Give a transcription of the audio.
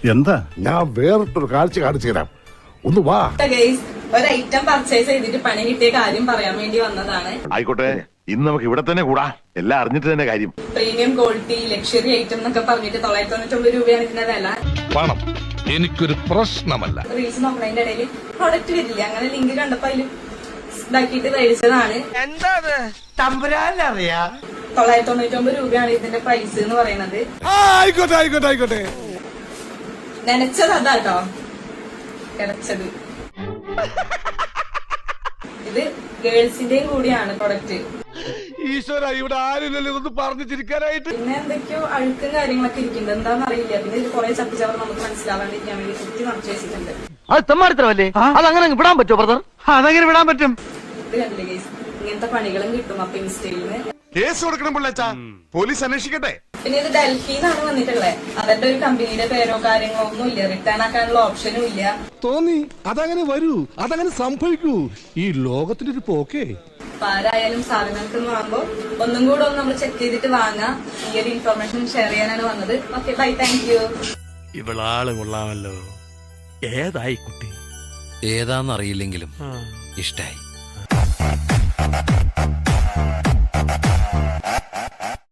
എന്താ? ഞാൻ വേറിട്ടൊരു കാഴ്ച കാണിച്ചു തരാം. ഒന്ന് വാ. ഒരു ഐറ്റം പർച്ചേസ് ചെയ്തിട്ട് പണി കിട്ടിയ കാര്യം പറയാൻ വേണ്ടി വന്നതാണ്. ആയിക്കോട്ടെ, ഇന്ന് നമുക്ക് ഇവിടെ തന്നെ കൂടാ. എല്ലാം അറിഞ്ഞിട്ട് തന്നെ കാര്യം. പ്രീമിയം ക്വാളിറ്റി ലക്ഷറി ഐറ്റം എന്നൊക്കെ പറഞ്ഞിട്ട് 999 രൂപയാണ് ഇതിന്റെ വില. പണം എനിക്കൊരു പ്രശ്നമല്ല. റീൽസ് നോക്കുന്നതിന്റെ ഇടയിൽ പ്രൊഡക്റ്റ് വരില്ല, അങ്ങനെ ലിങ്ക് കണ്ടപ്പോ അതിൽ ഇതാക്കിയിട്ട് മേടിച്ചതാണ്. 999 രൂപയാണ് ഇതിന്റെ പ്രൈസ് എന്ന് പറയുന്നത്. ആയിക്കോട്ടെ. നനച്ചത് അതാട്ടോ കിടച്ചത്. ഇത് ഗേൾസിന്റെയും കൂടിയാണ് പ്രൊഡക്റ്റ്. ഈശ്വര, ഇവിടെ ആരില്ലല്ലോ ഇതൊന്ന് പറഞ്ഞു ചിരിക്കാനായിട്ട്. പിന്നെ എന്തൊക്കെയോ അഴുക്കും കാര്യങ്ങളൊക്കെ ഇരിക്കുന്നുണ്ട്, എന്താണെന്ന് അറിയില്ല. പിന്നെ ഇത് കുറെ ചപ്പിച്ചവർ നമുക്ക് മനസ്സിലാവാണ്ടിരിക്കാൻ വേണ്ടി കുത്തി നിറച്ചു വെച്ചിട്ടുണ്ട്. അത് തെമ്മാടിത്തരമല്ലേ? അതങ്ങനെ വിടാൻ പറ്റുമോ ബ്രദർ? അതങ്ങനെ വിടാൻ പറ്റും. ഇത് കണ്ടില്ലേ ഗൈസ്, ഇങ്ങനത്തെ പണികളും കിട്ടും അപ്പൊ ഇൻസ്റ്റയിൽ നിന്ന്. കേസ് കൊടുക്കണം പിള്ളേച്ചാ, പോലീസ് അന്വേഷിക്കട്ടെ. പിന്നെ ഇത് ഡൽഹിന്നാണ് വന്നിട്ടുള്ളത്. അതിന്റെ ഒരു കമ്പനിയുടെ പേരോ കാര്യങ്ങളോ ഒന്നും ഇല്ല, റിട്ടേൺ ആക്കാനുള്ള ഓപ്ഷനും ഇല്ല. തോന്നി അതങ്ങനെ വരൂ, അതങ്ങനെ സംഭവിക്കൂ. ഈ ലോകത്തിന്റെ ഒരു പോക്കേ. അപ്പൊ ആരായാലും സാധനങ്ങൾക്ക് വാങ്ങുമ്പോ ഒന്നും കൂടെ ഒന്ന് നമ്മൾ ചെക്ക് ചെയ്തിട്ട് വാങ്ങാം. ഈ ഒരു ഇൻഫർമേഷൻ ഷെയർ ചെയ്യാനാണ് വന്നത്. Okay, bye, thank you. ഇവളാള് കൊള്ളാമല്ലോ. ഏതായി കുട്ടി? ഏതാന്നറിയില്ലെങ്കിലും ഇഷ്ടായി.